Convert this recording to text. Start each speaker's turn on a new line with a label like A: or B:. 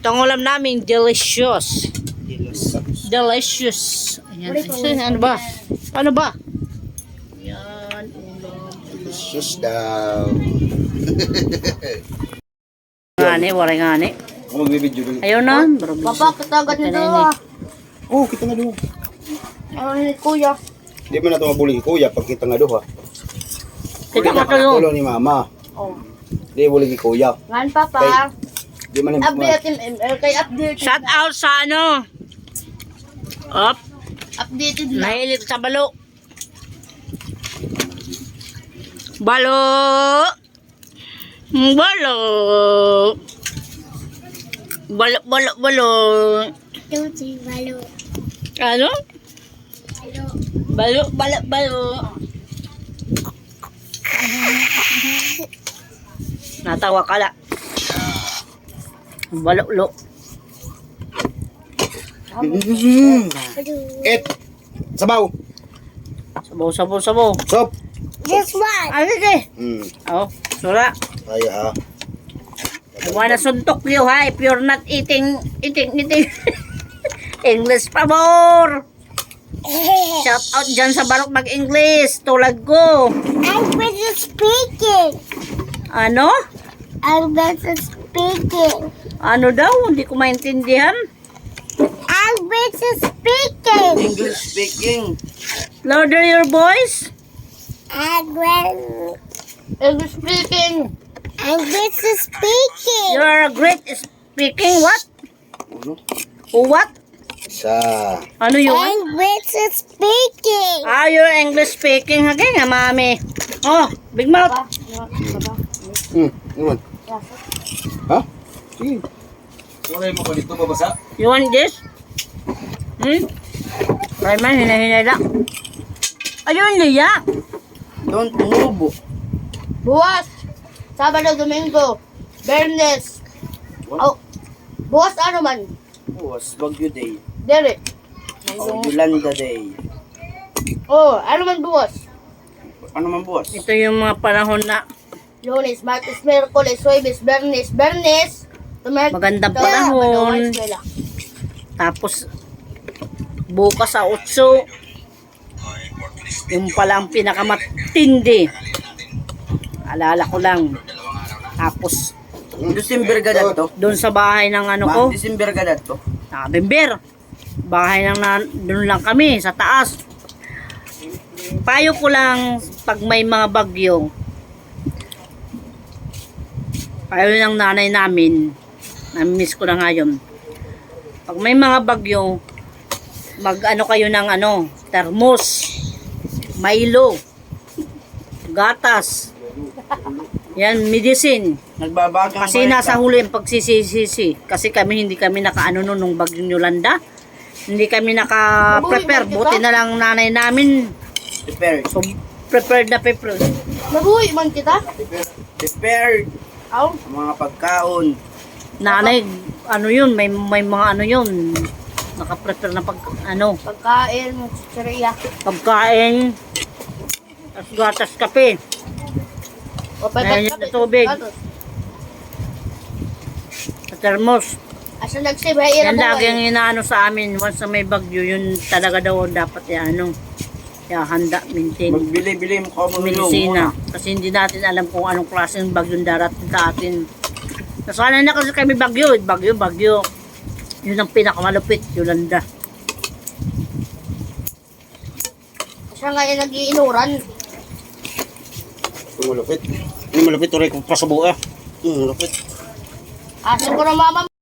A: Itong ulam namin, delicious. Delicious. Ayan. Ano ba? Ano ba? Yan, ulam.
B: Delicious daw.
A: Ngani, waray ngani.
B: Ako magbibideo dun.
A: Ayaw na.
C: Papa, katagat nito ah.
B: Oh, kita nga doon.
C: Ano ni kuya?
B: Hindi mo na ito mabuli kuya pag kita nga doon ha.
A: Kita ka tayo.
B: Tulo ni mama.
C: Oh.
B: Hindi buli ni kuya.
C: Ngan papa.
B: Di man
C: Update ML kay update.
A: Shout out sa ano. Up.
C: Updated na.
A: Nahilig sa balo. Balo. Balo. Balo, balo, balo.
C: Tuti balo.
A: Ano? Balo, balo, balo. Natawa ka la. Balo, lo.
B: Et. Sabaw.
A: Sabaw, sabaw, sabaw.
B: Sop.
C: This one.
A: Ano sige? Oh, sura.
B: Ay ha.
A: Wala suntok niyo ha, if you're not eating English pa more. Shout out dyan sa barok mag-English, tulad ko.
C: I'm better speaking.
A: Ano?
C: I'm better speaking.
A: Ano daw? Hindi ko maintindihan.
C: I'm better speaking.
B: English speaking.
A: Louder your voice.
C: I'm better. English speaking. I'm better speaking.
A: You're a great speaking what?
B: Ano?
A: What?
B: Sa.
A: Ano yun?
C: I'm better speaking.
A: Ah, you're English speaking. Hagay nga, mami. Oh, big mouth.
B: Iwan. Ha? Sige. Wala mo ba dito babasa?
A: You want this? Try man, hinahinay lang. Ayun, liya.
B: Don't move.
C: Buwas. Sabado, Domingo. Bernes. Oh. Buwas ano man?
B: Buwas, Bagyo Day.
C: Dere.
B: O, Yolanda Day.
C: Oh, ano man buwas?
B: Ano man buwas?
A: Ito yung mga panahon na
C: Lunes, Martes, Miyerkules, Huwebes, Bernes,
A: magandang panahon. Tapos, bukas sa 8, yung pala ang pinakamatindi. Alala ko lang. Tapos,
B: December ka to?
A: doon sa bahay ng ano ko,
B: December ka to?
A: Bimber. Bahay ng doon lang kami, sa taas. Payo ko lang, pag may mga bagyo, payo ng nanay namin, nami-miss ko na ngayon. Pag may mga bagyo, mag-ano kayo ng ano, termos, Milo, gatas, yan, medicine.
B: Nagbabagang
A: Kasi nasa huli ang pagsisisi. Kasi hindi kami nakaano nun nung bagyong Yolanda. Hindi kami naka-prepare. Buti na lang nanay namin.
B: Prepared.
A: So, prepared na prepared.
C: Nabuhi man kita?
B: Prepared.
C: Aw.
B: Mga pagkaon.
A: Nanay, ano yun, may mga ano yun. Naka-prepare na
C: Pagkain, chicheria.
A: pagkain. Tapos gatas kape.
C: O,
A: Ayan yung tubig. Sa termos.
C: Asa nag-save, hay
A: Yan
C: ira
A: lagi ang inaano sa amin. Once na may bagyo, yun talaga daw dapat handa, maintain.
B: Magbili-bili mo ka mo
A: Medisina. Kasi hindi natin alam kung anong klaseng bagyong darating sa atin. Nasanay na kasi kami bagyo. Bagyo. Yun ang pinakamalupit, Yolanda.
C: Siya nga yung nag-iinuran.
B: Malupit. Ini malupit. Tuloy ko pa sa buka. Malupit.
C: Asin ko na mama